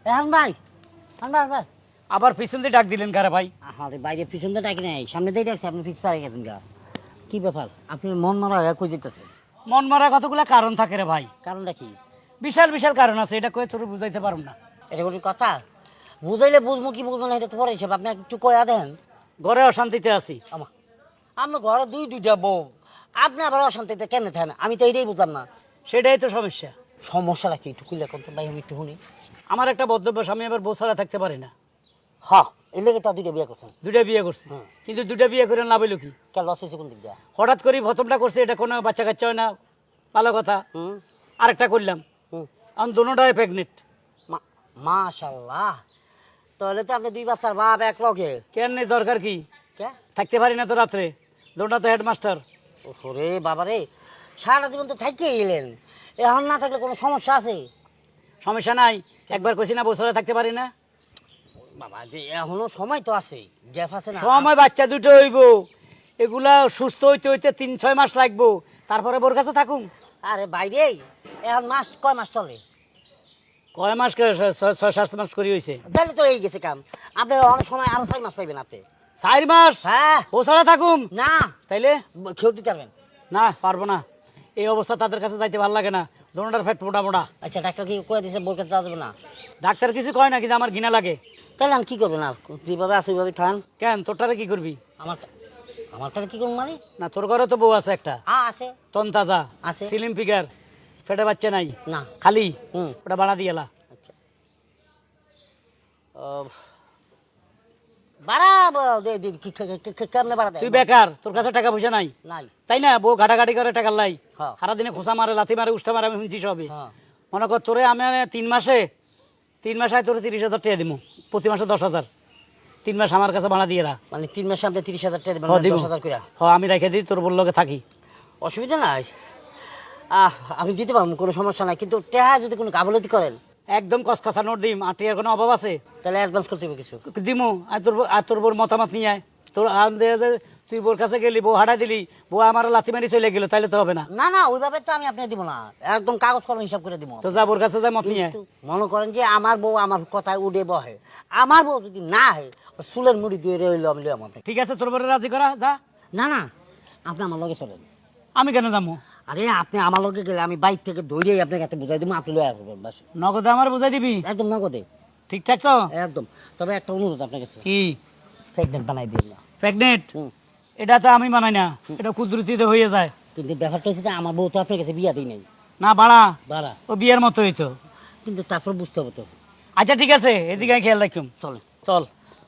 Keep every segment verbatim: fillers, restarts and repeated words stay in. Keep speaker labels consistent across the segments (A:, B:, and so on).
A: এখন ভাই এখন ভাই ভাই
B: আবার পিছন দিয়ে ডাক দিলেন কারা ভাই?
A: আরে বাইরে পিছন দিয়ে ডাকি নাই, সামনে দিয়ে ডাকছে, আপনি পিছ পাড়ে গেছেন গা। কি ব্যাপার, আপনি মন মারা হয়ে কই যেতেছে?
B: মন মারা কতগুলা কারণ থাকে রে ভাই,
A: কারণটা কি?
B: বিশাল বিশাল কারণ আছে, এটা কয়ে তোর বুঝাইতে পারুম না।
A: এটা কোনো কথা? বুঝাইলে বুঝবো কি বুঝবো না এটা তো পরে হিসাব, আপনি একটু কয়া দেন।
B: ঘরে অশান্তিতে আছি।
A: আমা আপনার ঘরে দুই দুইটা বউ, আপনি আবার অশান্তিতে কেন থাকেন? আমি তো এইটাই বুঝলাম না।
B: সেটাই তো সমস্যা।
A: সমস্যাটা কি একটু খুলে করতে ভাই, আমি একটু শুনি।
B: আমার একটা বদ্ধভ্যাস, আমি আবার বউ ছাড়া থাকতে পারি না।
A: হ্যাঁ, এর লেগে তো দুইটা বিয়ে করছেন।
B: দুইটা বিয়ে করছি,
A: হুম।
B: কিন্তু দুইটা বিয়ে করে লাভ হইলো কি?
A: কে লস হয়েছে কোন দিক দিয়ে?
B: হঠাৎ করে প্রথমটা করছি, এটা কোনো বাচ্চা কাচ্চা হয় না, ভালো কথা।
A: হুম
B: আরেকটা করলাম,
A: হুম
B: এখন দুটোটাই প্রেগনেন্ট।
A: মাশাআল্লাহ, তাহলে তো আপনি দুই বাচ্চার বাপ এক লগে।
B: কেন নেই, দরকার কি?
A: কে
B: থাকতে পারি না তো রাত্রে, দুটো তো হেডমাস্টার।
A: ওরে বাবারে, সারাটা জীবন তো থাকিয়ে গেলেন, এখন না থাকলে কোনো সমস্যা আছে?
B: সমস্যা নাই, একবার কইছি না বউ ছাড়া থাকতে পারি না।
A: বাবা যে এখনো সময় তো আছে, গ্যাপ আছে না?
B: সময় বাচ্চা দুটো হইব, এগুলা সুস্থ হইতে হইতে তিন ছয় মাস লাগবো, তারপরে বোর কাছে থাকুন।
A: আরে বাইরে এখন মাস কয় মাস চলে?
B: কয় মাস করে? ছয় ছয় সাত মাস করি হয়েছে।
A: তাহলে তো এই গেছে কাম, আপনি অনেক সময় আরো ছয় মাস পাইবেন হাতে।
B: চার মাস
A: হ্যাঁ,
B: ও ছাড়া থাকুম?
A: না
B: তাইলে
A: খেউ দিতে পারবেন
B: না, পারবো না। এই অবস্থা তাদের কাছে যাইতে ভালো লাগে না, দোনোটার ফ্যাট মোটা মোটা।
A: আচ্ছা, ডাক্তার কি কয়ে দিয়েছে বোর কাছে যাওয়া যাবে না?
B: ডাক্তার কিছু কয় না, কিন্তু আমার ঘৃণা লাগে।
A: তাহলে আমি কি করবেন? আর যেভাবে আছে ওইভাবে খান।
B: কেন, তোরটারে কি করবি?
A: আমার আমার তাহলে কি করবো মানে?
B: না, তোর ঘরে তো বউ আছে একটা,
A: হ্যাঁ আছে।
B: তন তাজা,
A: আছে।
B: সিলিম ফিগার, ফেটে বাচ্চা নাই,
A: না।
B: খালি
A: হুম
B: ওটা বানা দিয়েলা।
A: আচ্ছা, বাড়াবো দে- দে- কি- কি- কি- কি- কেমনে বাড়া দেয়?
B: তুই বেকার, তোর কাছে টাকা পয়সা নাই,
A: নাই।
B: তাই না? বউ ঘাটাঘাটি করে টাকা লাই,
A: হ্যাঁ।
B: সারাদিনে খোসা মারে, লাথি মারে, উষ্টা মারে, আমি শুনছি সবই।
A: হ্যাঁ।
B: মনে কর তোরে আমি তিন মাসে তিন মাসে তোরে তিরিশ হাজার টাকা দিব, প্রতি মাসে দশ হাজার, তিন মাস আমার কাছে ভাড়া দিয়ে রা।
A: মানে তিন মাসে আপনি তিরিশ হাজার টাকা দেবেন,
B: হ, দিব।
A: দশ হাজার করে?
B: হ, আমি রেখে দিই, তোর বললোকে থাকি।
A: অসুবিধা নাই, আহ আমি দিতে পারবো, কোনো সমস্যা নাই, কিন্তু টেহা যদি কোনো গাফলতি করেন
B: একদম কসকসা নোট দিম, আর টিয়ার কোনো অভাব আছে?
A: তাহলে অ্যাডভান্স করতে হবে কিছু।
B: দিমু, আর তোর বউ- আর তোর বোর মতামত নিয়ে আয়। তোর আন দে দে, তুই বোর কাছে গেলি, বউ হাঁটা দিলি, বউ আমার লাথি মারি চলে গেল, তাইলে তো হবে না।
A: না না, ওইভাবে তো আমি আপনাকে দিব না, একদম কাগজ কলম হিসাব করে দিব।
B: তো যা বোর কাছে যা, মত নিয়ে আয়।
A: কিন্তু মনে করেন যে আমার বউ আমার কথায় উঠে বহে, আমার বউ যদি না হয় ও চুলের মুড়ি দিয়ে রইল আমি লইলাম আপনাকে।
B: ঠিক আছে, তোর বোরে রাজি করা যা।
A: না না, আপনি আমার লগে চলেন।
B: আমি কেন যাবো?
A: আরে আপনি আমার লগে গেলে আমি বাইক থেকে দৌড়িয়ে আপনাকে এত বুঝাই দিব, আপনি লয়ে আসবেন বাস।
B: নগদে আমার বুঝাই দিবি?
A: একদম নগদে।
B: ঠিকঠাক তো?
A: একদম। তবে একটা অনুরোধ আপনার কাছে,
B: কি?
A: প্রেগনেন্ট বানাই দিন না।
B: প্রেগনেন্ট?
A: হুম।
B: এটা তো আমি বানাই না, এটা কুদরতিতে হয়ে যায়।
A: কিন্তু ব্যাপারটা হচ্ছে যে আমার বউ তো আপনার কাছে বিয়া দিই নাই।
B: না বাড়া,
A: বাড়া,
B: ও বিয়ের মতো হইতো।
A: কিন্তু তারপর বুঝতে হবে তো।
B: আচ্ছা ঠিক আছে, এদিকে আয়, খেয়াল রাখুম।
A: চলেন।
B: চল।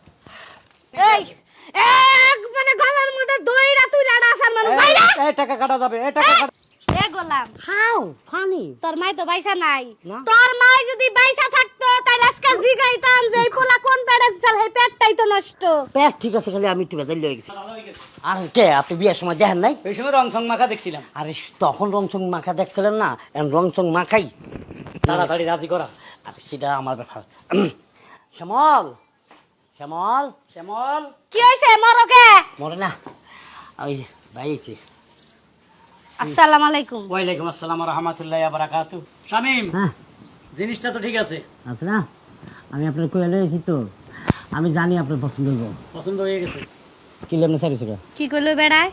C: এই এক মানে গলার মধ্যে দইরা তুই লাড়া আসার মানুষ
B: এই,
C: বাইরে
B: এই টাকা কাটা যাবে, এই টাকা কাটা।
C: এ গোলাম,
A: হাউ ফানি।
C: তোর মাই তো বাইসা নাই।
A: না।
C: তোর মাই যদি বাইসা থাকতো তাহলে আজকে জিগাইতাম যে এই পোলা কোন পেটে চাল, এই পেটটাই তো নষ্ট।
A: পেট ঠিক আছে, খালি আমি একটু বেজাল লয়ে গেছি। আর কে আপনি বিয়ের সময় দেখেন নাই?
B: ওই সময় রং সং মাখা দেখছিলাম।
A: আরে তখন রংচং মাখা দেখছিলেন না, এখন রংচং মাখাই
B: তাড়াতাড়ি রাজি করা।
A: আরে সেটা আমার ব্যাপার। শ্যামল, শ্যামল,
B: শ্যামল,
C: কি হইছে মরকে?
A: মরে না, ওই ভাই আইছে।
C: আসসালামু আলাইকুম।
B: ওয়ালাইকুম আসসালাম রহমতুল্লাহ বারাকাতু। শামিম,
A: হ্যাঁ
B: জিনিসটা তো ঠিক আছে,
A: আছে না, আমি আপনার কয়ে লয়েছি তো, আমি জানি আপনার পছন্দ হইব।
B: পছন্দ হয়ে গেছে।
A: কি লেমনে সারি থেকে
C: কি কইলো বেড়ায়?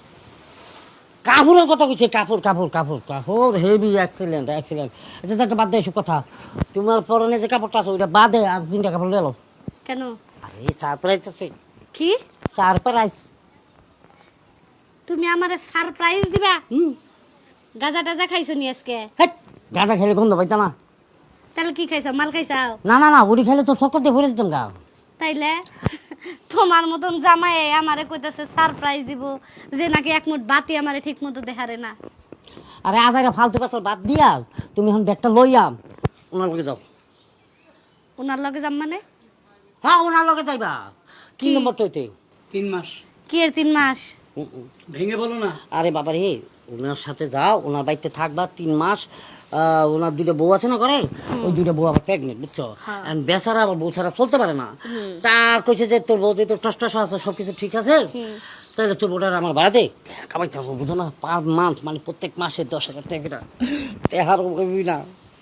A: কাপড়ের কথা কইছে, কাপড় কাপড় কাপড় কাপড় হেভি এক্সিলেন্ট এক্সিলেন্ট। এটা তো বাদ দে এসব কথা, তোমার পরনে যে কাপড়টা আছে ওইটা বাদে আর তিনটা কাপড় লেলো।
C: কেন?
A: আরে সারপ্রাইজ আছে,
C: কি?
A: সারপ্রাইজ।
C: তুমি আমারে সারপ্রাইজ দিবা?
A: হুম,
C: গাজা টাজা খাইছো নি আজকে?
A: হেট, গাঁজা খেলে গন্ধ পাইতা না।
C: তাহলে কি খাইছো? মাল খাইছাও?
A: না না না, উড়ি খেলে তো চক্কর দিয়ে ভরে দিতাম গা।
C: তাইলে তোমার মতন জামাই আমারে কইতাছে সারপ্রাইজ দিব, যে নাকি এক মুঠ বাতি আমারে ঠিক মতো দেখারে না।
A: আরে আজ আগে ফালতু পাশাল বাদ দিয়া তুমি এখন ব্যাগটা লইয়া ওনার লগে যাও।
C: ওনার লগে যাম মানে?
A: হ্যাঁ, ওনার লগে যাইবা। কি নম্বর হইতে?
B: তিন মাস।
C: কি এর তিন মাস?
A: হুম, হুম।
B: ভেঙে বলো না।
A: আরে বাবা রে, ওনার সাথে যাও, ওনার বাড়িতে থাকবা তিন মাস। আহ, ওনার দুইটা বউ আছে না ঘরে, ওই দুইটা বউ আবার প্রেগনেন্ট, বুঝছো?
C: হ্যাঁ।
A: And বেচারা আবার বউ ছাড়া চলতে পারে না। তা কইছে যে তোর বউ যে তোর টস টস আছে সবকিছু ঠিক আছে, তাহলে তোর বউটার আমার ভাড়া দে, কামাইতে হবে, বুঝো না? পার মান্থ মানে প্রত্যেক মাসে দশ হাজার টাকা টেহার কইবি না।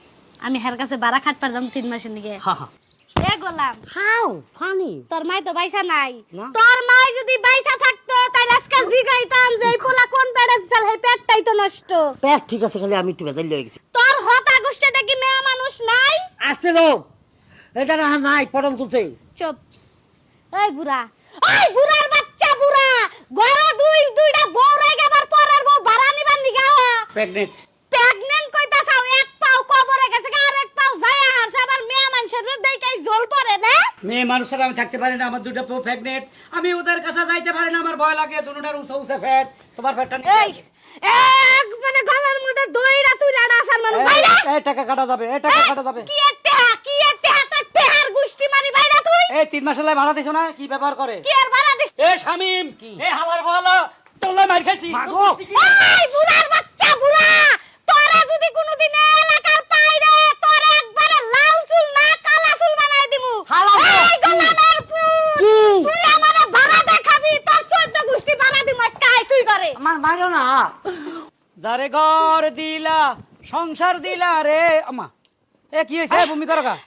C: আমি হের কাছে বাড়া খাটপার যাম তিন মাসের দিকে
A: হা হা
C: এ গোলাম
A: হাউ ফানি
C: তোর মাই তো বাইসা নাই
A: না।
C: তোর মাই যদি বাইসা থাকতো তাহলে আজকে জিগাইতাম যে এই পোলা কোন পেটে চাল হে পেটটাই তো নষ্ট
A: পেট ঠিক আছে খালি আমি একটু বেজাল হয়ে গেছি
C: তোর হতা গোষ্ঠে দেখি মেয়ে মানুষ নাই
A: আছে লোক এটা না নাই পড়ন তুলছে
C: চুপ এই বুড়া ওই বুড়ার বাচ্চা বুড়া ঘরে দুই দুইটা বউ রে গেবার পরের বউ ভাড়া নিবার নিগা
B: প্রেগনেন্ট
C: প্রেগন্যান্ট কইতা চাও এক পাও কবরে গেছে আর এক পাও যায় হাসে আবার মেয়ে মানুষের দেখাই জল পড়ে না
B: মেয়ে মানুষের আমি থাকতে পারি না, আমার দুটো প্রেগনেন্ট, আমি ওদের কাছে যাইতে পারি না, আমার ভয় লাগে, দুটোটার উঁচা উঁচা ফ্যাট, তোমার ফ্যাটটা
C: এই এক মানে গলার মধ্যে দইরা তুইলা ডাসার মানে বাইরে
B: এই টাকা কাটা যাবে, এই টাকা কাটা যাবে।
C: কি একটা কি একটা হাতে টেহার গুষ্টি মারি বাইরে তুই
B: এই তিন মাসের লাই ভাড়া দিছো না, কি ব্যবহার করে?
C: কি আর বাড়া দিস
B: এ শামিম, এ হাওয়ার বলো তোলা মার খাইছি।
A: মাগো।
C: এই বুড়ার বাচ্চা বুড়া তোরা যদি কোনোদিন এলাকার পাইরে তোর একবারে লাল চুল না কালা চুল বানাই দিমু
A: হালাল তো।
C: এই গোলামের পুত
A: কি
C: তুই আমারে ভাড়া দেখাবি তোর চোদ্দ গুষ্টি বানা দিমু আজকে আই তুই করে
A: আমার মারো না
B: যারে ঘর দিলা সংসার দিলা রে আমা, এ কি হয়েছে ভূমি করো কা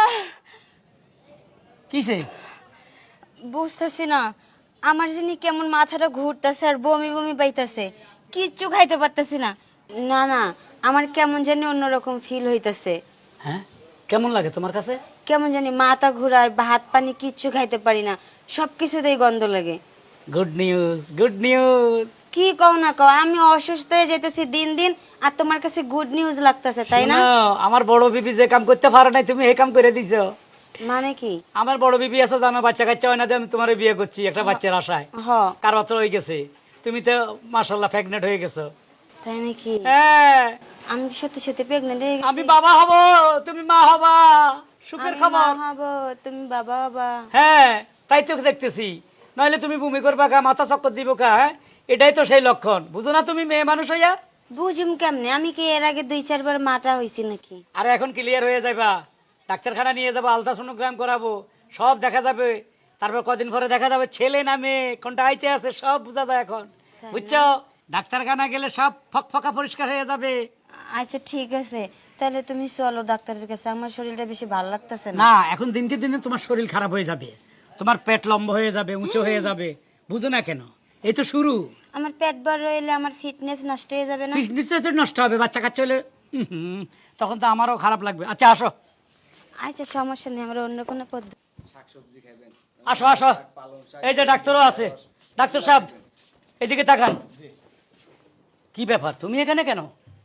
B: কিসে?
D: বুঝতেছি না, আমার জানি কেমন মাথাটা ঘুরতেছে আর বমি বমি পাইতেছে, কিচ্ছু খাইতে পারতেছি না। না না, আমার কেমন জানি অন্যরকম ফিল হইতেছে,
B: হ্যাঁ কেমন লাগে তোমার কাছে?
D: কেমন জানি মাথা ঘুরায়, ভাত পানি কিচ্ছু খাইতে পারি না, সব কিছুতেই গন্ধ লাগে।
B: Good news, good news.
D: কি কও না কও, আমি অসুস্থ হয়ে যেতেছি দিন দিন আর তোমার কাছে গুড নিউজ লাগতেছে, তাই না?
B: আমার বড় বিবি যে কাম করতে পারে নাই তুমি এই কাম করে দিছো।
D: মানে কি?
B: আমার বড় বিবি আছে জানো, বাচ্চা কাচ্চা হয় না, যে আমি তোমার বিয়ে করছি একটা বাচ্চার আশায়,
D: হ
B: কার বাচ্চা হয়ে গেছে, তুমি তো মাশাআল্লাহ প্রেগনেন্ট হয়ে গেছো।
D: তাই নাকি?
B: হ্যাঁ
D: আমি কি সত্যি সত্যি প্রেগনেন্ট হয়ে গেছি?
B: আমি বাবা হব, তুমি মা হবা, সুখের
D: আমি
B: খবর।
D: মা হবো, তুমি বাবা হবা।
B: হ্যাঁ তাই তো দেখতেছি, নইলে তুমি বমি করবা কা, মাথা চক্কর দিব কা, হ্যাঁ এটাই তো সেই লক্ষণ, বুঝো না তুমি মেয়ে মানুষ হইয়া?
D: বুঝুম কেমনে, আমি কি এর আগে দুই চারবার মাটা হইছি নাকি?
B: আর এখন ক্লিয়ার হয়ে যাবা, ডাক্তারখানা নিয়ে যাবো, আলট্রাসোনোগ্রাম করাবো, সব দেখা যাবে, তারপর কদিন পরে দেখা যাবে ছেলে না মেয়ে, কোনটা আইতে আছে সব বোঝা যায় এখন, বুঝছো? ডাক্তারখানা গেলে সব ফক ফকা পরিষ্কার হয়ে যাবে।
D: আচ্ছা ঠিক আছে, তাহলে তুমি চলো ডাক্তারের কাছে, আমার শরীরটা বেশি ভালো লাগতেছে না।
B: না এখন দিনকে দিনে তোমার শরীর খারাপ হয়ে যাবে, তোমার পেট লম্বা হয়ে যাবে, উঁচু হয়ে যাবে, বুঝো না কেন? এই তো শুরু,
D: আমার পেট বড় হইলে আমার ফিটনেস নষ্ট হয়ে যাবে না?
B: নিশ্চয় তো নষ্ট হবে, বাচ্চা কাচ্চা হলে হুম, হুম, তখন তো আমারও খারাপ লাগবে। আচ্ছা আসো
D: আচ্ছা সমস্যা নেই, আমরা অন্য কোনো পদ্ধতি।
B: আসো আসো, এই যে ডাক্তারও আছে, ডাক্তার সাহেব এদিকে তাকান। কি ব্যাপার তুমি এখানে কেন?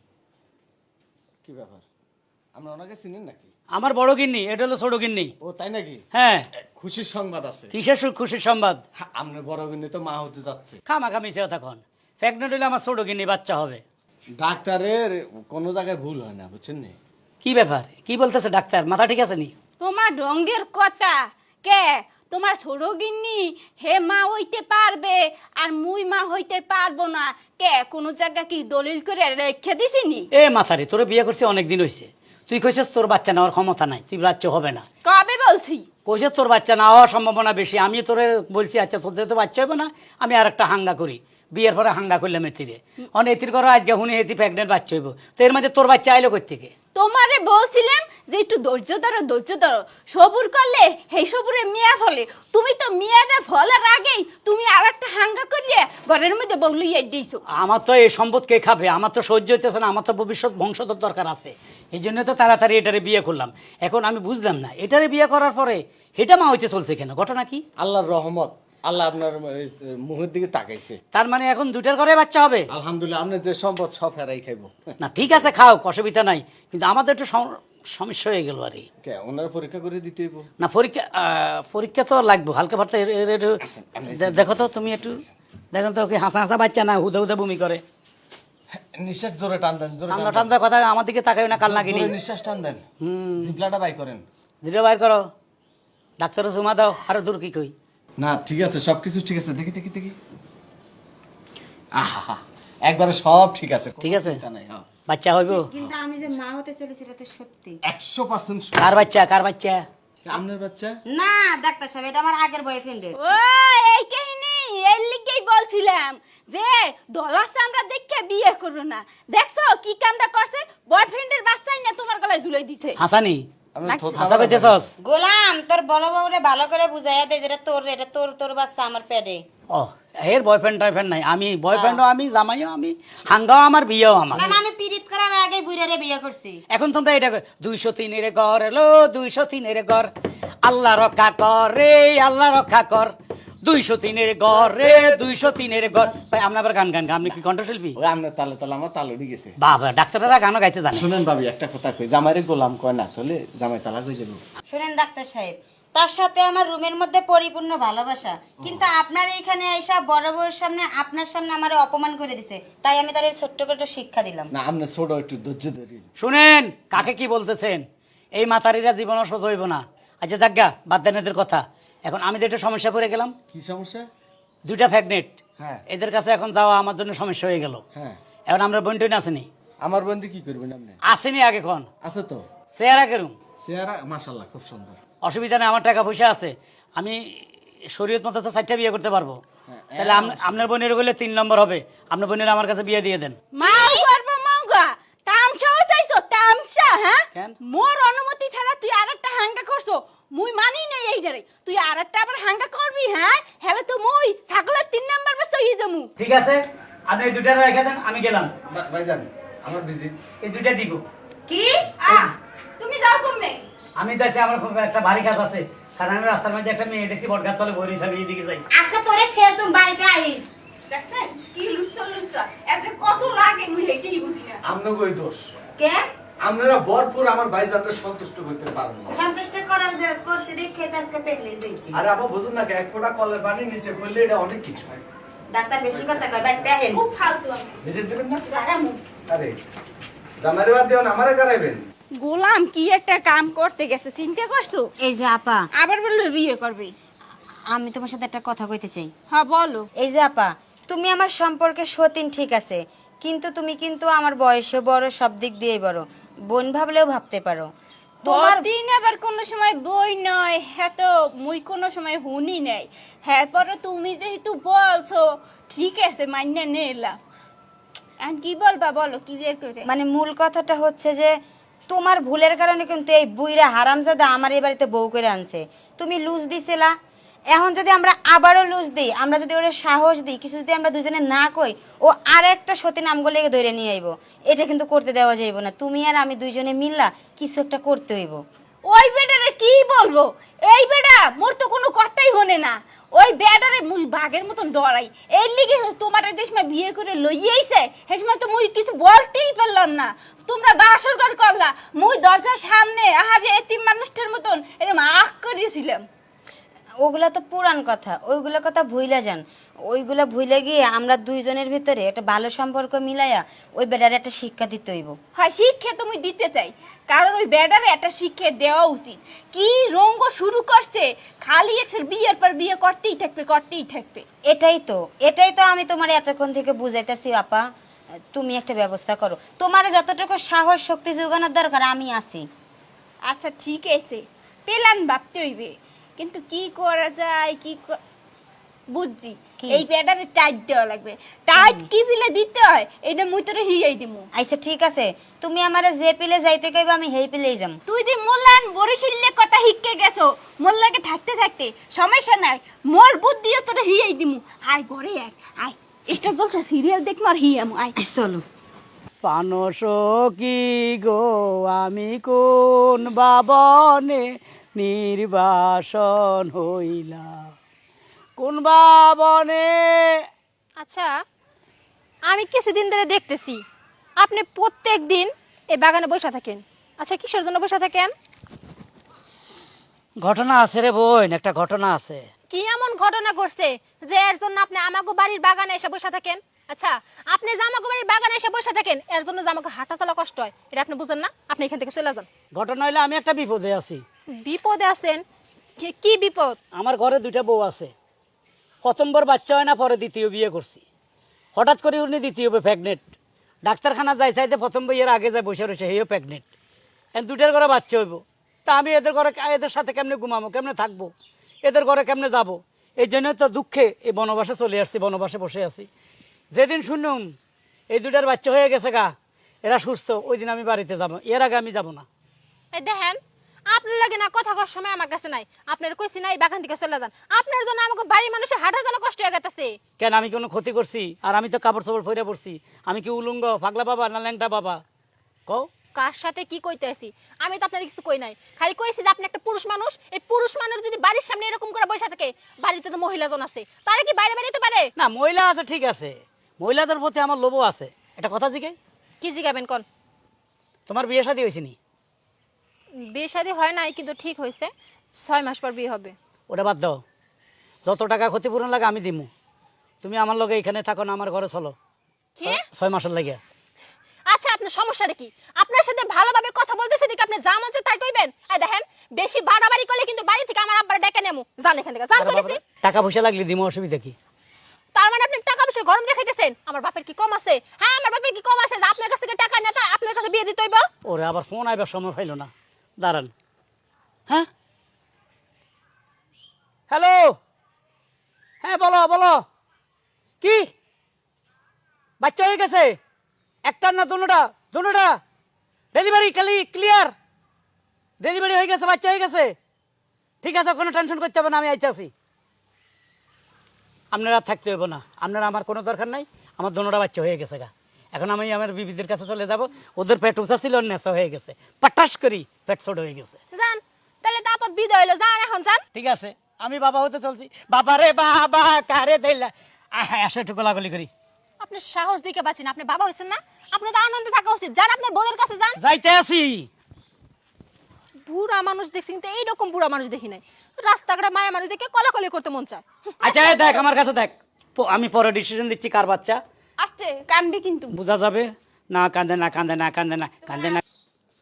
E: কি ব্যাপার, আমরা ওনাকে চিনেন নাকি?
B: আমার বড় গিন্নি, এটা হলো ছোট গিন্নি।
E: ও তাই নাকি?
B: হ্যাঁ
E: খুশির সংবাদ আছে।
B: কিসের সু- খুশির সংবাদ?
E: হ্যাঁ, আপনার বড় বোন তো মা হতে যাচ্ছে।
B: খামাখা মিশে তখন প্রেগনেন্ট হলে আমার ছোট গিন্নি বাচ্চা হবে।
E: ডাক্তারের কোনো জায়গায় ভুল হয় না, বুঝছেন নি?
B: কি ব্যাপার, কি বলতেছে ডাক্তার, মাথা ঠিক আছে নি?
F: তোমার ঢঙ্গের কথা কে? তোমার ছোট গিন্নি হে মা হইতে পারবে আর মুই মা হইতে পারবো না কে? কোন জায়গা কি দলিল করে রেখে দিছিনি?
B: এ মাথারে, তোর বিয়ে করছি অনেকদিন হয়েছে, তুই কইছিস তোর বাচ্চা নেওয়ার ক্ষমতা নাই, তুই বাচ্চা হবে না।
F: কবে বলছি?
B: কইছিস তোর বাচ্চা না হওয়ার সম্ভাবনা বেশি, আমি তোরে বলছি আচ্ছা তোর যেহেতু বাচ্চা হবে না, আমি আর একটা হাঙ্গা করি, বিয়ের পরে হাঙ্গা করলাম এতিরে, অনেক এতির করো আজকে হুনে এতি প্রেগনেন্ট বাচ্চা হইব, তো এর মধ্যে তোর বাচ্চা আইলো কই থেকে?
F: তোমারে বলছিলাম যে একটু ধৈর্য ধরো, ধৈর্য ধরো, সবুর করলে সেই সবুরে মিয়া ফলে। তুমি তো মিয়াটা ফলার আগেই তুমি আর একটা হাঙ্গা করলে ঘরের মধ্যে বগলিয়ে দিয়েছো।
B: আমার তো এই সম্পদ কে খাবে, আমার তো সহ্য হইতেছে না, আমার তো ভবিষ্যৎ বংশধর দরকার আছে, এই জন্য তো তাড়াতাড়ি এটারে বিয়ে করলাম। এখন আমি বুঝলাম না এটারে বিয়ে করার পরে এটা মা হইতে চলছে কেন, ঘটনা কি?
E: আল্লাহর রহমত, আল্লাহ আপনার এই, মুখের দিকে তাকাইছে।
B: তার মানে এখন দুটার ঘরে বাচ্চা হবে?
E: আলহামদুলিল্লাহ, আপনার যে সম্পদ সব ফেরাই খাইবো।
B: না ঠিক আছে খাও, অসুবিধা নাই, কিন্তু আমাদের একটু সম- সমস্যা হয়ে গেল আর কি।
E: কে ওনারা পরীক্ষা করে দিতে হইব?
B: না পরীক্ষা আহ, পরীক্ষা তো লাগবে হালকা ফালকা, এর- এর- এর- দে- দেখো তো তুমি একটু দেখো তো, ওকে হাসা হাসা বাচ্চা না হুদা হুদা বমি করে,
E: নিঃশ্বাস জোরে টান দেন, জোরে টান
B: ঠান্ডা
E: দেন।
B: ঠান্ডা কথা আমার দিকে তাকাই না, কাল নাগিনি।
E: জোরে নিঃশ্বাস টান দেন,
B: হুম
E: জিবলাটা বাই করেন।
B: জিরো বাইর করো, ডাক্তারও জমা দাও, আরো দূর কি কই।
E: না ঠিক আছে, সবকিছু ঠিক আছে, দেখি দেখি দেখি। আহা, একবারে সব ঠিক আছে, কোনো
B: ঠিক আছে?
E: চিন্তা নাই, হ্যাঁ।
B: বাচ্চা হইব?
D: কিন্তু আমি যে মা হতে চলেছি এটা তো সত্যি।
E: একশো পার্সেন্ট
B: কার বাচ্চা, কার বাচ্চা?
E: আপনার বাচ্চা?
D: না ডাক্তার সাহেব, এটা আমার আগের বয়ফ্রেন্ডের।
F: ও এই কাহিনী, এর লিগে আগেই বলছিলাম যে দলাস আমরা দেখে বিয়ে করো না। দেখছো কি কামটা করছে, বয়ফ্রেন্ডের বাচ্চাই না তোমার গলায় ঝুলাই দিছে।
B: হাসানি
E: আমি থোত
B: হাসা কইতেছস?
D: গোলাম তোর বড় বউরে ভালো করে বুঝাইয়া দে যেটা তোর, এটা তোর তোর বাচ্চা আমার পেটে।
B: ও এর বয়ফ্রেন্ড টয়ফ্রেন্ড নাই, আমি বয়ফ্রেন্ডও আমি, জামাইও আমি, হাঙ্গাও আমার, বিয়েও আমার।
D: না আমি পিরিত করার আগে বুইরারে বিয়ে করছি।
B: এখন তোমরা এটা দুইশো তিনের ঘর এলো, দুইশো তিনের ঘর, আল্লাহ রক্ষা কর রে আল্লাহ রক্ষা কর, দুইশো তিনের ঘর রে দুইশো তিনের ঘর। ভাই আপনি আবার গান গান গান, আপনি কি কণ্ঠশিল্পী?
E: ওই আপনার তালে তালে আমার তাল উঠে গেছে।
B: বাবা ডাক্তাররা গানও গাইতে জানে।
E: শুনেন ভাবি একটা কথা কই, জামাইরে গোলাম কয় না তাহলে জামাই তালাক হয়ে যাবে।
D: শুনেন ডাক্তার সাহেব, তার সাথে আমার রুমের মধ্যে পরিপূর্ণ ভালোবাসা, কিন্তু আপনার এইখানে এসা বড় বউয়ের সামনে আপনার সামনে আমারে অপমান করে দিছে, তাই আমি তার ছোট্ট করে একটা শিক্ষা দিলাম।
E: না আপনি ছোট একটু ধৈর্য ধরি।
B: শুনেন কাকে কি বলতেছেন, এই মাতারিরা জীবনও সোজ হইব না। আচ্ছা যাজ্ঞা বাদ দেন এদের কথা। এখন আমি তো একটা সমস্যা পড়ে গেলাম,
E: কি সমস্যা?
B: দুইটা ফ্যাগনেট,
E: হ্যাঁ
B: এদের কাছে এখন যাওয়া আমার জন্য সমস্যা হয়ে গেল।
E: হ্যাঁ
B: এখন আমরা বন্টন আসেনি,
E: আমার বন্ধু কি করবেন আপনি?
B: আসেনি আগে কোন
E: আছে তো
B: চেহারা কেরুম,
E: চেহারা মাশাআল্লাহ খুব সুন্দর।
B: অসুবিধা নেই, আমার টাকা পয়সা আছে, আমি শরীয়ত মতো তো চারটা বিয়ে করতে পারবো। তাহলে আম- আপনার বোনের বলে তিন নম্বর হবে, আপনার বোনের আমার কাছে বিয়ে দিয়ে দেন।
F: মাও করবো মাওগা, তামসাও চাইছো তামসা? হ্যাঁ
B: কেন?
F: মোর অনুমতি ছাড়া তুই আরেকটা হাঙ্গা করছো, মুই মানি নাই এই জারে। তুই আরেকটা আবার হাঙ্গা করবি? হ্যাঁ হেলে তো মুই ছাগলের তিন নাম্বার বাস হই যামু।
B: ঠিক আছে আপনি এই দুইটা রেখে দেন, আমি গেলাম।
E: ভাইজান আমার ভিজিট।
B: এই দুইটা দিব।
D: কি
F: আহ, তুমি যাও কমবে।
B: আমি যাচ্ছি, আমার খুব একটা ভারী কাজ আছে, কারণ আমি রাস্তার মধ্যে একটা মেয়ে দেখছি বটগাছ তলে বই হিসাবে এইদিকে যাই।
D: আচ্ছা তোরে ফেসুম বাড়িতে আইস।
F: দেখছেন কি লুচ্ছা লুচ্ছা, এর যে কত লাগে মুই হেইটাই বুঝি না।
E: আমনে কই দোষ?
D: কে
E: আপনারা ভরপুর আমার ভাইজানকে সন্তুষ্ট করতে পারেন না।
D: সন্তুষ্ট করার যে করছি দেখে তো আজকে পেটলে দিয়েছি।
E: আরে আপা বুঝুন না, এক ফোঁটা কলের পানি নিচে পড়লে এটা অনেক কিছু।
D: ডাক্তার বেশি কথা কয়, বাড়িতে আহেন।
F: খুব ফালতু আমি
E: ভিজিট দেবেন না?
F: দাঁড়ামু।
E: আরে জামাইরে বাদ দিও না, আমারে করাইবেন।
F: গোলাম কি একটা কাম করতে গেছে, চিন্তা করছো?
D: এই যে আপা,
F: আবার বললো বিয়ে করবে।
D: আমি তোমার সাথে একটা কথা কইতে চাই।
F: হ্যাঁ বলো।
D: এই যে আপা, তুমি আমার সম্পর্কে সতীন ঠিক আছে, কিন্তু তুমি কিন্তু আমার বয়সে বড়, সব দিক দিয়েই বড়, বোন ভাবলেও ভাবতে পারো। তোমার
F: দিন আবার কোন সময় বই নয়, হ্যাঁ তো মুই কোনো সময় হুনি নাই। হ্যাঁ পরে তুমি যেহেতু বলছো ঠিক আছে মান্য নিলাম। আর কি বলবা বলো ক্লিয়ার করে।
D: মানে মূল কথাটা হচ্ছে যে তোমার ভুলের কারণে কিন্তু এই বুইরা হারামজাদা আমার এই বাড়িতে বউ করে আনছে। তুমি লুজ দিছিলা, এখন যদি আমরা আবারও লুজ দিই, আমরা যদি ওরে সাহস দিই, কিছু যদি আমরা দুজনে না কই, ও আর একটা সতী নামগুলো ধরে নিয়ে আইব, এটা কিন্তু করতে দেওয়া যাইব না। তুমি আর আমি দুইজনে মিললা কিছু একটা করতে হইব।
F: ওই বেটারে কি বলবো, এই বেটা মোর তো কোনো কথাই হনে না। ওই বেটারে মুই বাঘের মতন ডরাই, এই লিগে তোমার এই দেশমা বিয়ে করে লইয়াইছে, সেই সময় তো মুই কিছু বলতেই পারলাম না। তোমরা বাসর ঘর করলা, মুই দরজার সামনে আহারে এতিম মানুষটার মতন এরকম আখ করিয়েছিলাম।
D: ওগুলা তো পুরান কথা, ওইগুলা কথা ভুইলা যান। ওইগুলা ভুইলা গিয়ে আমরা দুইজনের ভিতরে একটা ভালো সম্পর্ক মিলাইয়া ওই বেটারে একটা শিক্ষা দিতে হইব।
F: হয় শিক্ষা তুমি দিতে চাই, কারণ ওই বেটারে একটা শিক্ষা দেওয়া উচিত। কি রঙ্গ শুরু করছে, খালি এক্সের বিয়ের পর বিয়ে করতেই থাকবে করতেই থাকবে।
D: এটাই তো এটাই তো আমি তোমার এতক্ষণ থেকে বুঝাইতেছি আপা, তুমি একটা ব্যবস্থা করো। তোমার যতটুকু সাহস শক্তি যোগানোর দরকার আমি আছি।
F: আচ্ছা ঠিক আছে, পেলান ভাবতে হইবে, কিন্তু কি করা যায় কি ক- বুঝছি।
D: কি?
F: এই প্যাডারে টাইট দেওয়া লাগবে। টাইট কি পিলে দিতে হয় এটা মুই তোরে হিয়াই দিমু।
D: আচ্ছা ঠিক আছে, তুমি আমারে যে পিলে যাইতে কইবা আমি হেই পিলেই যাম।
F: তুই যে মোল্লান বরিশিল্লে কথা হিক্কে গেছো, মোল্লাকে থাকতে থাকতে সমস্যা নাই, মোর বুদ্ধিও তোরে হিয়াই দিমু। আয় ঘরে এক আয়, এটা চলছে সিরিয়াল দেখমু আর হিয়ামু আয়।
D: চলো।
B: পানস কি গো আমি কোন বাবনে নির্বাসন হইলাম, কোন বাবনে।
G: আচ্ছা, আমি কিছুদিন ধরে দেখতেছি আপনি প্রত্যেক দিন এই বাগানে বসে থাকেন। আচ্ছা, কিসের জন্য বসে থাকেন?
B: ঘটনা আছে রে বোন, একটা ঘটনা আছে।
G: কি এমন ঘটনা ঘটছে যে এর জন্য আপনি আমাগো বাড়ির বাগানে এসে বসে থাকেন? আচ্ছা, আপনি যে আমাগো বাড়ির বাগানে এসে বসে থাকেন এর জন্য যে আমাকে হাঁটা চলা কষ্ট হয়, এটা আপনি বুঝেন না? আপনি এখান থেকে চলে যান।
B: ঘটনা হইলে আমি একটা বিপদে আছি।
G: বিপদে আছেন? কি- কি বিপদ?
B: আমার ঘরে দুইটা বউ আছে, প্রথমবার বাচ্চা হয় না, পরে দ্বিতীয় বিয়ে করছি। হঠাৎ করে উনি দ্বিতীয় প্রেগনেন্ট, ডাক্তারখানা যাই চাইতে প্রথম বইয়ের আগে যায় বসে রয়েছে, হেও প্রেগনেন্ট। এখন দুইটার ঘরে বাচ্চা হইব, তা আমি এদের ঘরে এদের সাথে কেমনে ঘুমাবো, কেমনে থাকবো, এদের ঘরে কেমনে যাব? এই জন্য তো দুঃখে এই বনবাসে চলে আসছি, বনবাসে বসে আছি। যেদিন শুনুম এই দুটার বাচ্চা হয়ে গেছে গা, এরা সুস্থ, ওই দিন আমি বাড়িতে যাব, এর আগে আমি যাব না।
G: এই দেখেন, আপনার লাগে না কথা কর সময় আমার কাছে নাই। আপনার কইছি নাই বাগান থেকে চলে যান, আপনার জন্য আমাকে বাড়ির মানুষের হাঁটা চলা কষ্ট হয়ে গেছে।
B: কেন আমি কোনো ক্ষতি করছি? আর আমি তো কাপড় চোপড় পরে পড়ছি, আমি কি উলঙ্গ পাগলা বাবা না ল্যাংটা বাবা? কও
G: কার সাথে কি কইতেছি? আমি তো আপনার কিছু কই নাই, খালি কইছি যে আপনি একটা পুরুষ মানুষ। এই পুরুষ মানুষ যদি বাড়ির সামনে এরকম করে বসে থাকে, বাড়িতে তো মহিলা জন আছে, পারে কি বাইরে বেরোতে পারে
B: না? মহিলা আছে ঠিক আছে, মহিলাদের প্রতি আমার লোভও আছে। এটা কথা জিগে
G: কি জিগাবেন কোন?
B: তোমার বিয়ে শাদী হয়েছে নি?
G: বিয়ে শাদী হয় নাই, কিন্তু ঠিক হয়েছে, ছয় মাস পর বিয়ে হবে।
B: ওটা বাদ দাও, যত টাকা ক্ষতিপূরণ লাগে আমি দিমু, তুমি আমার লগে এখানে থাকো না, আমার ঘরে চলো
G: কি?
B: ছয় মাসের লাগে।
G: আচ্ছা, আপনার সমস্যাটা কি? আপনার সাথে ভালোভাবে কথা বলতেছে দেখে আপনি যা মন চায় তাই কইবেন? আর দেখেন, বেশি বাড়াবাড়ি করলে কিন্তু বাড়ি থেকে আমার আব্বার ডেকে নেমু। জান এখান থেকে, জান কইছি।
B: টাকা পয়সা লাগলে দিমু, অসুবিধা কি?
G: তার মানে আপনি টাকা পয়সা গরম দেখাইতেছেন? আমার বাপের কি কম আছে? হ্যাঁ, আমার বাপের কি কম আছে যে আপনার কাছ থেকে টাকা নিয়ে তো আপনার কাছে বিয়ে দিতে হইব?
B: ওরে আবার ফোন আইবার সময় পাইল না, দাঁড়ান। হ্যাঁ, হ্যালো, হ্যাঁ বলো বলো, কি বাচ্চা হয়ে গেছে? একটার না দুটোটা? দুটোটা ডেলিভারি খালি ক্লিয়ার, ডেলিভারি হয়ে গেছে, বাচ্চা হয়ে গেছে। ঠিক আছে, কোনো টেনশন করতে হবে না, আমি আইতেছি। আপনারা থাকতে হইব না, আপনারা আমার কোনো দরকার নাই, আমার দুটোটা বাচ্চা হয়ে গেছে গা। এখন আমি আমার বিবিদের কাছে চলে যাব, ওদের পেট উঁচা ছিল, নেশা হয়ে গেছে, পাটাস করি পেট ছোট হয়ে গেছে।
G: জান, তাহলে তো আপদ বিদায় হইলো, যান এখন যান।
B: ঠিক আছে, আমি বাবা হতে চলছি। বাবা রে বাবা, কারে দিলা, আসো একটু গোলাগুলি করি।
G: আপনি সাহস দিকে বাঁচিন, আপনি বাবা হইছেন না, আপনি তো আনন্দে থাকা উচিত। যান আপনার বউয়ের কাছে যান।
B: যাইতে আছি।
G: বুড়া মানুষ দেখছি, কিন্তু এইরকম বুড়া মানুষ দেখি নাই। রাস্তাঘাটে মায়া মানুষ দেখে কলাকলি করতে মন চায়।
B: আচ্ছা এই দেখ, আমার কাছে দেখ, প- আমি পরে ডিসিশন দিচ্ছি কার বাচ্চা।
F: আসতে কানবি কিন্তু।
B: বোঝা যাবে না, কান্দে না কান্দে না কান্দে না কান্দে না।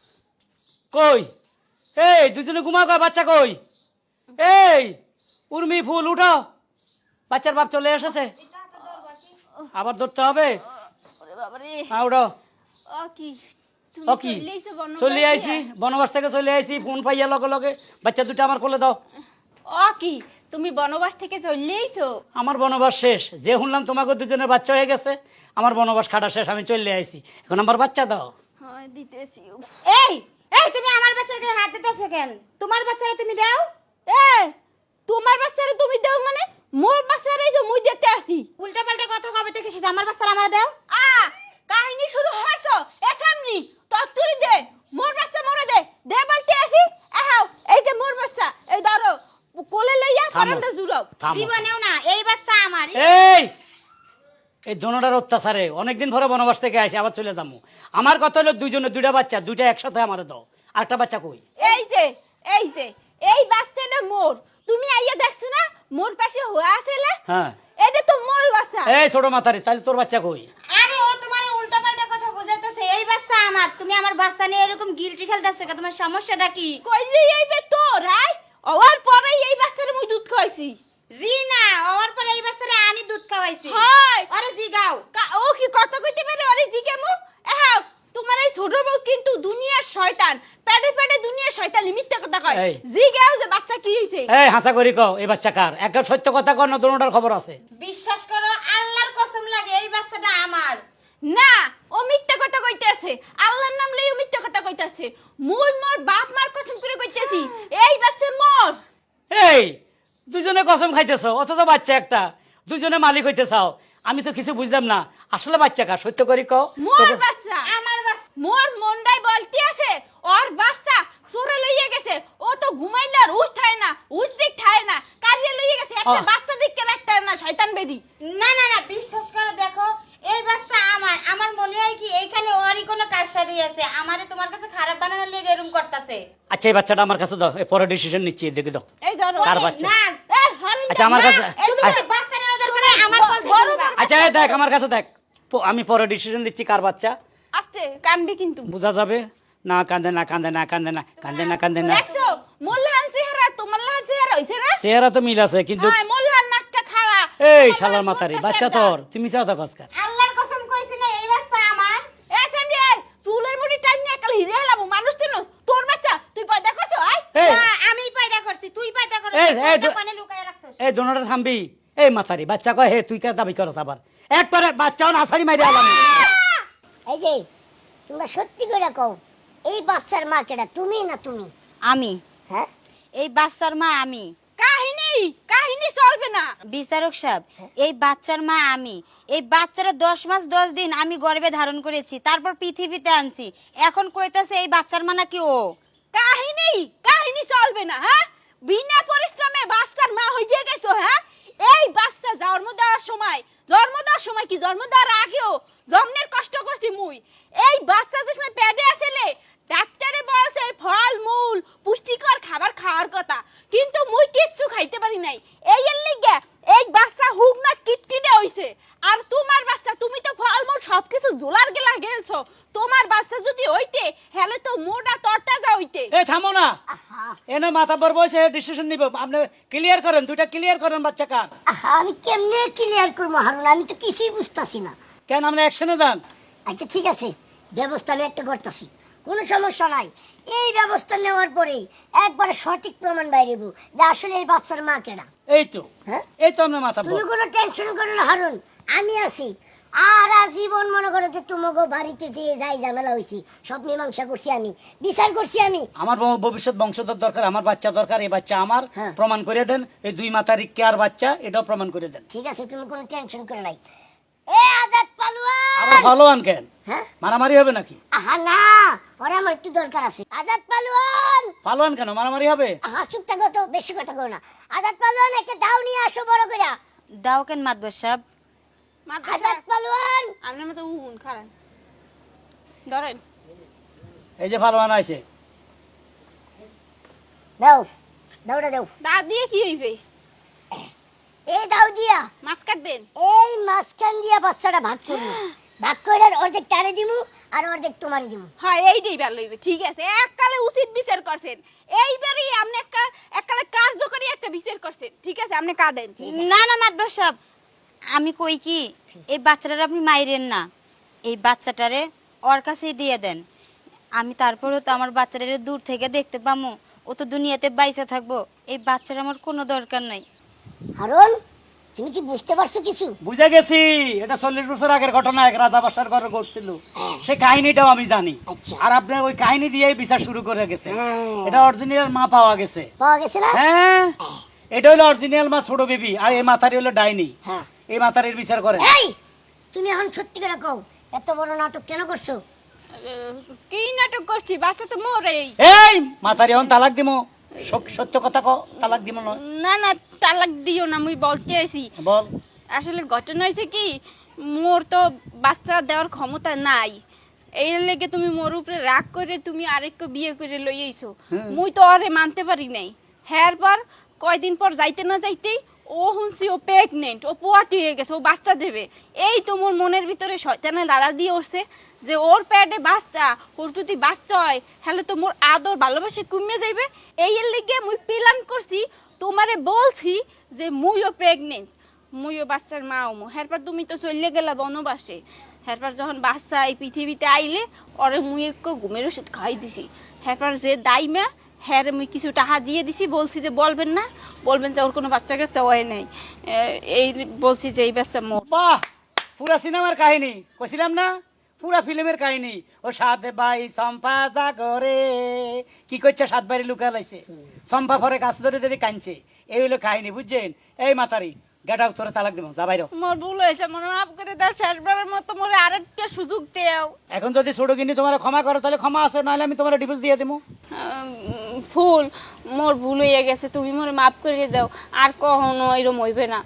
B: কই এই দুজনে ঘুমা, কয় বাচ্চা কই? এই উর্মি ফুল উঠো, বাচ্চার বাপ চলে এসেছে, আবার ধরতে হবে।
F: ওরে বাবা রে,
B: হ্যাঁ উঠো।
F: ও কি তুমি
B: ও কি
F: চলে আইছো বনবাস
B: চলে
F: দিয়া?
B: আইছি, বনবাস থেকে চলে আইছি, ফোন পাইয়া লগে লগে বাচ্চা দুটো আমার কোলে দাও।
F: ও কি তুমি বনবাস থেকে চলে আইছো?
B: আমার বনবাস শেষ, যে শুনলাম তোমাকে দুজনের বাচ্চা হয়ে গেছে, আমার বনবাস খাটা শেষ, আমি চলে আইছি, এখন আমার বাচ্চা দাও।
F: হ্যাঁ দিতেছি।
D: এই এই তুমি আমার বাচ্চার গায়ে হাত দিতেছো কেন? তোমার বাচ্চারা তুমি দাও।
F: এ তোমার বাচ্চারে তুমি দাও মানে? মোর বাচ্চারেই তো মুই দেখতে আসি।
D: উল্টা পাল্টা কথা কবে থেকে শিখছো? আমার বাচ্চারা আমার দাও।
F: আ কাহিনী শুরু হইছো এসামনি তত্তুরি দে, মোর বাচ্চা মরে দে, দে বলতে আসি। আহাও এইটা মোর বাচ্চা, এই ধরো কোলে লইয়া ফারান্দা জুড়াও।
B: থামো।
D: জীবনেও না, এই বাচ্চা আমার।
B: এই এই দোনোটার অত্যাচারে অনেকদিন পরে বনবাস থেকে আসি, আবার চলে যাবো। আমার কথা হলো দুইজনের দুইটা বাচ্চা, দুইটা একসাথে আমার দাও। আরেকটা বাচ্চা কই?
F: এই যে এই যে এই বাচ্চাটা মোর, তুমি আইয়া দেখছো না মোর পাশে হয়ে আছেলে?
B: হ্যাঁ,
F: এটা তো মোর বাচ্চা।
B: এই ছোট মাথারি, তাহলে তোর বাচ্চা কই?
D: আরে ও তোমার উল্টা পাল্টা কথা বুঝাইতেছে। এই বাচ্চা আমার। তুমি আমার বাচ্চা নিয়ে এরকম গিলটি খেলতেছো কেন? তোমার সমস্যাটা কি?
F: কই যে এই বে তোর আই ওর পরে এই বাচ্চারে মুই দুধ খাইছি।
D: জি না, ওর পরে এই বাচ্চারে আমি দুধ খাওয়াইছি।
F: হয়
D: আরে জি গাও।
F: কা- ও কি কথা কইতে পারে? আরে জি কেমু এহাও তোমার এই ছোট বউ কিন্তু দুনিয়ার শয়তান, পেটে পেটে দুনিয়ার শয়তান, মিথ্যা কথা কয়।
B: এই।
F: জি গাও যে বাচ্চা কি হইছে?
B: এই হাসা করি কও, এই বাচ্চা কার? একটা সত্য কথা কর না, দোনোটার খবর আছে।
D: বিশ্বাস করো, আল্লাহর কসম লাগে, এই বাচ্চাটা আমার।
F: না, ও মিথ্যা কথা কইতেছে, আল্লাহর নাম লইও মিথ্যা কথা কইতেছে। মুই মোর বাপ মার কসম করে কইতেছি এই বাচ্চা মোর।
B: এই দুজনে কসম খাইতেছ, অথচ বাচ্চা একটা, দুজনে মালিক হইতে চাও। আমি তো কিছু বুঝলাম না, আসলে বাচ্চা কার? সত্য করি কও।
F: মোর বাচ্চা,
D: আমার বাচ্চা।
F: মোর মন্ডাই বলতে আছে ওর বাচ্চা চোরে লইয়া গেছে। ও তো ঘুমাইলে আর উঠ থায় না, উঠ দিক থায় না, কাজে লইয়া গেছে। একটা
B: আহ।
F: বাচ্চা দেখতে রাখতে না, শয়তান বেডি।
D: না না না, বিশ্বাস করো, দেখো এই বাচ্চা আমার। আমার মনে হয় কি এইখানে ওরই কোনো কারসাজি আছে, আমারে তোমার কাছে খারাপ বানানোর লেগে এরকম করতেছে।
B: আচ্ছা এই বাচ্চাটা আমার কাছে দাও, এই পরে ডিসিশন নিচ্ছি, দেখে দাও।
F: এই ধরো
B: কার বাচ্চা?
D: না,
F: এ হারিন্দা,
B: আচ্ছা, আমার
F: না,
B: কাছে-
F: এই
D: তুমি
F: ধরো।
D: তো বাচ্চা নিয়ে ওদের করে আমার কল
F: বড়
D: দিবা।
F: বাচ্চা।
B: আচ্ছা এই দেখ, আমার কাছে দেখ, প- আমি পরে ডিসিশন দিচ্ছি কার বাচ্চা।
F: আস্তে কানবি কিন্তু।
B: বোঝা যাবে না, কান্দে না কান্দে না কান্দে না কান্দে না কান্দে না।
F: দেখছো মোল্লাহান চেহারা তোমার লাহান চেহারা হইছে না?
B: চেহারা তো মিল আছে, কিন্তু
F: হ্যাঁ, মোল্লাহান নাকটা খাড়া।
B: এই
F: তোমার
B: শালার
F: লাহান
B: মাথারি,
F: ছোট্ট
B: বাচ্চা
F: একটা।
B: তোর, তুমি চাও তো কসকা।
D: আল্লাহর কসম কইছি না, এই বাচ্চা আমার।
F: এ সামনে চুলের মুড়ি টাইম নিয়ে কাল হিরে হলাম মানুষ তো নস। তোর বাচ্চা তুই পয়দা করছো? আই
B: এই
D: না, আমি পয়দা করছি, তুই পয়দা করছিস।
B: এই, এই,
D: তুই
B: দু-
D: কোনে লুকায় রাখছস?
B: এই দোনোটা থামবি। এই মাতারি বাচ্চা কয় হে তুই কে দাবি করছ আবার একবারে বাচ্চাও নাছাড়ি মাইরে আলাম।
H: এই যে তোমরা সত্যি করে কও, এই বাচ্চার মা কেডা, তুমি না তুমি?
D: আমি
H: হ্যাঁ,
D: এই বাচ্চার মা আমি।
F: কাহিনী কাহিনী চলবে না।
D: বিচারক সাহেব, এই বাচ্চার মা আমি। এই বাচ্চারা দশ মাস দশ দিন আমি গর্ভে ধারণ করেছি, তারপর পৃথিবীতে আনছি। এখন কইতাছে এই বাচ্চার মা নাকি ও।
F: কাহিনী কাহিনী চলবে না। হ্যাঁ, বিনা পরিশ্রমে বাচ্চার মা হইয়া গেছো। হ্যাঁ, এই বাচ্চা জন্ম দেওয়ার সময়, জন্ম দেওয়ার সময় কি জন্ম দেওয়ার আগেও জন্মের কষ্ট করছি মুই। এই বাচ্চা যে সময় পেটে আসলে ডাক্তারে বলছে ফল মূল পুষ্টিকর খাবার খাওয়ার কথা, কিন্তু মুই কিচ্ছু খাইতে পারি নাই। এই এর লিগে এই বাচ্চা হুক না কিটকিটে হইছে। আর তোমার বাচ্চা, তুমি তো ফল মূল সবকিছু জোলার গেলা গেলছো। তোমার বাচ্চা যদি হইতে হেলে তো মোটা তরতাজা হইতে।
B: এই থামো না, এনে মাথা বর বসে ডিসিশন নিব। আপনি ক্লিয়ার করেন, দুইটা ক্লিয়ার করেন বাচ্চা কার।
H: আহা, আমি কেমনে ক্লিয়ার করবো হারুন, আমি তো কিছুই বুঝতাছি না।
B: কেন আপনি অ্যাকশনে যান।
H: আচ্ছা ঠিক আছে, ব্যবস্থা আমি একটা করতেছি, কোনো সমস্যা নাই। এই ব্যবস্থা নেওয়ার পরেই একবারে সঠিক প্রমাণ বাইরেব যে আসলে এই বাচ্চার মা কেডা।
B: এই তো
H: হ্যাঁ,
B: এই তো আপনার মাথা
H: তুমি
B: বর।
H: কোনো টেনশন করো না হারুন, আমি আছি। আর আজীবন মনে করো যে তোমাকে বাড়িতে যে যাই ঝামেলা হয়েছি সব মীমাংসা করছি আমি, বিচার করছি আমি।
B: আমার ব- ভবিষ্যৎ বংশধর দরকার, আমার বাচ্চা দরকার, এই বাচ্চা আমার।
H: হ্যাঁ।
B: প্রমাণ করে দেন এই দুই মাতারি কেয়ার বাচ্চা, এটাও প্রমাণ করে দেন।
H: ঠিক আছে, তুমি কোনো টেনশন করে নাই। এ আজাদ পালোয়ান,
B: আবার ভালো আন কেন,
H: হ্যাঁ,
B: মারামারি হবে নাকি?
H: আহা না, ওরা আমার একটু দরকার আছে। আজাদ পালোয়ান,
B: পালোয়ান কেন, মারামারি হবে?
H: আহা চুপ থাকো তো, বেশি কথা কও না। আজাদ পালোয়ান, একটা দাও নিয়ে আসো বড় করে।
D: দাও কেন মাতবর সাহেব?
H: আজাদ পালোয়ান,
F: আপনার মতো উন খারান ধরেন।
B: এই যে পালোয়ান আছে,
H: দাও দাওটা দাও।
F: দা দিয়ে কি হইবে?
H: এই দাও দিয়া
F: মাছ কাটবেন?
H: এই মাঝখান দিয়া বাচ্চাটা ভাগ করবো, ভাগ করে অর্ধেক তারে দিমু আর অর্ধেক তোমারে দিমু।
F: হ্যাঁ, এইটাই ভালো হইবে। ঠিক আছে, এককালে উচিত বিচার করছেন। এইবারই আপনি একটা এককালে কার্যকরী একটা বিচার করছেন। ঠিক আছে, আপনি কাটেন।
D: না না মাতবর সাহেব, আমি কই কি, এই বাচ্চাটারে আপনি মাইরেন না, এই বাচ্চাটারে ওর কাছেই দিয়ে দেন। আমি তারপরেও তো আমার বাচ্চাটারে দূর থেকে দেখতে পামু, ও তো দুনিয়াতে বাইসা থাকবো। এই বাচ্চার আমার কোনো দরকার নাই।
H: হারুন, তুমি কি বুঝতে পারছো কিছু?
B: বুঝে গেছি। এটা চল্লিশ বছর আগের ঘটনা, এক রাজা বাসার ঘরে ঘটছিল। সেই কাহিনীটাও আমি জানি।
H: আচ্ছা।
B: আর আপনার ওই কাহিনী দিয়েই বিচার শুরু করে গেছে।
H: হ্যাঁ।
B: এটা অরিজিনাল মা পাওয়া গেছে।
H: পাওয়া গেছে না?
B: হ্যাঁ, এটা হলো অরিজিনাল মা ছোট বেবি, আর এই মাথারি হলো ডাইনি।
H: হ্যাঁ।
B: এই মাথারির বিচার করে।
H: এই তুমি এখন সত্যি করে কও, এত বড় নাটক কেন করছো?
F: আহ, কি নাটক করছি? বাচ্চা তো মরেই।
B: এই মাথারি এখন তালাক দিমো, সক- সত্য কথা কও, তালাক দিমো না।
F: না না, তালাক দিও না, মুই বলতে আইছি।
B: বল।
F: আসলে ঘটনা হয়েছে কি, মোর তো বাচ্চা দেওয়ার ক্ষমতা নাই। এই লেগে তুমি মোর উপরে রাগ করে তুমি আরেককে বিয়ে করে লই আইছো। মুই তো আরে মানতে পারি নাই। হ্যার পর কয়দিন পর যাইতে না যাইতেই ও শুনছি ও প্রেগনেন্ট, ও পোয়াটি হয়ে গেছে, ও বাচ্চা দেবে। এই তো মোর মনের ভিতরে শয়তানে লাড়া দিয়ে উঠছে যে ওর পেটে বাচ্চা, ওর যদি বাচ্চা হয় হলে তো মোর আদর ভালোবাসে কমে যাইবে। এই এর লিগে মুই প্ল্যান করছি, তোমারে বলছি যে মুইও প্রেগনেন্ট, মুইও বাচ্চার মা হমু। হ্যারপর তুমি তো চলে গেলা বনবাসে। হ্যারপর যখন বাচ্চা এই পৃথিবীতে আইলে ওরে মুই একটু ঘুমের ওষুধ খাই দিছি। হ্যারপর যে দাইমা হ্যাঁ মুই কিছু টাকা দিয়ে দিছি, বলছি যে বলবেন না, বলবেন যে ওর কোনো বাচ্চা কাচ্চা হয় নাই। এ- এই বলছি যে এই বাচ্চা মোর।
B: বাহ, পুরা সিনেমার কাহিনী কইছিলাম না, পুরা ফিল্মের কাহিনী। ও সাত ভাই চম্পা জাগরে কি করছে, সাত বাড়ি লুকা লাইছে, চম্পা পরে গাছ ধরে ধরে কাঁদছে। এই হলো কাহিনী, বুঝছেন? এই মাতারি গেট আউট করে তালাক দেবো, যা বাইরো।
F: মোর ভুল হয়েছে, মনে মাফ করে দাও, শেষবারের মতো মোরে আরেকটা সুযোগ দেও।
B: এখন যদি ছোট কিনি তোমার ক্ষমা করো তাহলে ক্ষমা আছে, নাহলে আমি তোমার ডিভোর্স দিয়ে দেবো।
F: উম, ফুল মোর ভুল হয়ে গেছে, তুমি মোরে মাফ করে দাও, আর কখনো এরম হইবে না।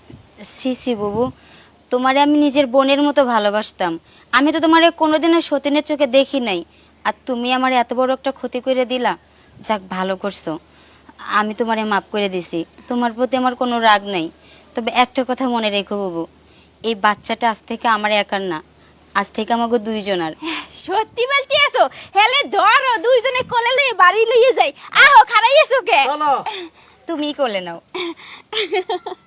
D: সি সি বাবু, তোমারে আমি নিজের বোনের মতো ভালোবাসতাম। আমি তো তোমারে কোনোদিনও সতীনের চোখে দেখি নাই, আর তুমি আমার এত বড় একটা ক্ষতি করে দিলা। যাক, ভালো করছো, আমি তোমারে মাফ করে দিছি। তোমার প্রতি আমার কোনো রাগ নাই। তবে একটা কথা মনে রেখো বাবু, এই বাচ্চাটা আজ থেকে আমার একার না, আজ থেকে আমাকে দুইজনার।
F: সত্যি বলতে আছো? হেলে ধরো, দুইজনে কোলে লইয়ে বাড়ি লইয়ে যাই। আহো, খারাইয়েছো কে?
B: চলো।
D: তুমিই কোলে নাও।